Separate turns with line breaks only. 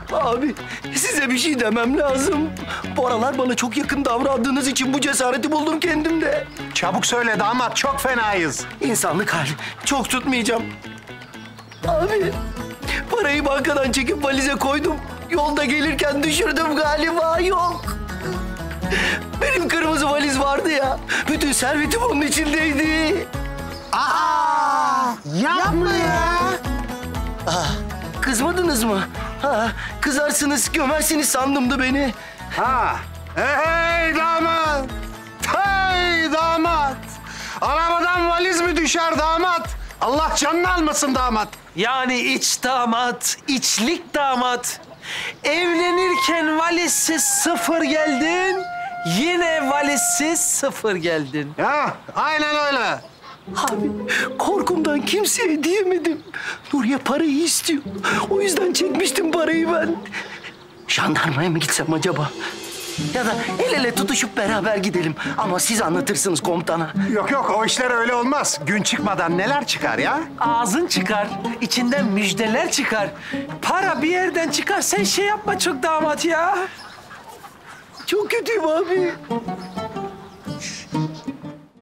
Abi size bir şey demem lazım. Bu aralar bana çok yakın davrandığınız için bu cesareti buldum kendimde.
Çabuk söyle damat, çok fenayız.
İnsanlık hali. Çok tutmayacağım. Abi parayı bankadan çekip valize koydum. Yolda gelirken düşürdüm galiba, yok. Benim kırmızı valiz vardı ya. Bütün servetim onun içindeydi.
Aa! Yapma ya!
Kızmadınız mı? Ha, kızarsınız, gömersiniz sandımdı beni.
Ha! Hey damat! Hey damat! Arabadan valiz mi düşer damat? Allah canını almasın damat.
Yani iç damat, içlik damat. Evlenirken valizsiz sıfır geldin, yine valizsiz sıfır geldin.
Ya aynen öyle.
Abi korkumdan kimseye diyemedim. Nuriye parayı istiyor. O yüzden çekmiştim parayı ben. Jandarmaya mı gitsem acaba? Ya da el ele tutuşup beraber gidelim. Ama siz anlatırsınız komutana.
Yok yok, o işler öyle olmaz. Gün çıkmadan neler çıkar ya?
Ağzın çıkar, içinden müjdeler çıkar. Para bir yerden çıkar, sen şey yapma çok damat ya.
Çok kötüyüm abi.